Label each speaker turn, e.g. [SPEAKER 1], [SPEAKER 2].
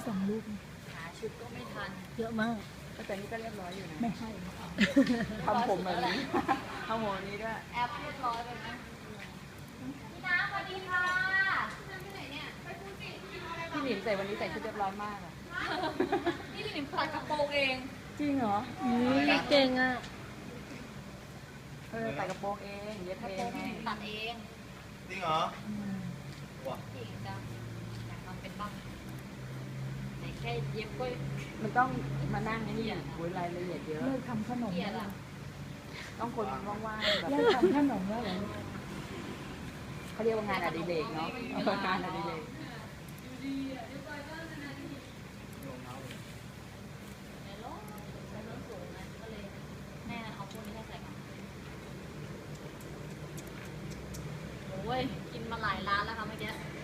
[SPEAKER 1] 2 ลูก
[SPEAKER 2] หาชุดก็ไม่ทัน
[SPEAKER 1] เยอะมาก
[SPEAKER 3] แต่นี่ก็เรียบร้อยอยู่นะ
[SPEAKER 1] ไม่ให้
[SPEAKER 3] ทำผมแบบนี้ทำผมนี้ด้วย
[SPEAKER 2] แอปเรียบร้อยเลยนะพี่น้ำสวัสดีค่ะพี่ไหนเนี่ยไปพูดสิ
[SPEAKER 3] พี่หนิมใส่วันนี้ใส่ชุดเรียบร้อยมากอ่ะ
[SPEAKER 2] นี่พี่หนิมตัดกระโปรงเอง
[SPEAKER 3] จริงเหรอ
[SPEAKER 1] เก่งอ่ะ
[SPEAKER 3] ใส่กระโปรงเองเย็บเอง
[SPEAKER 2] ตัดเอง
[SPEAKER 4] จริงเหรอว้า
[SPEAKER 2] เก่งจังอยากทำเป็นบ้างแต่แค่เย็บก็
[SPEAKER 3] มันต้องมานั่งนี่รายละเอียดเยอะ
[SPEAKER 1] เลิกทำขนม
[SPEAKER 2] เกลีย
[SPEAKER 1] แล้
[SPEAKER 2] ด
[SPEAKER 1] ว
[SPEAKER 2] อ่ะ
[SPEAKER 3] ต้องคนว่างๆแบบ
[SPEAKER 1] เลิกทำขนมแล้วเหรอ
[SPEAKER 3] เขาเรียกว่างานอดิเรกเนาะงานอดิเรก
[SPEAKER 2] ในรถสูงนะก็เลยแม่เอาพวกนี้ให้ใส่กันโอ้ยกินมาหลายร้านแล้วค่ะเมื่อกี้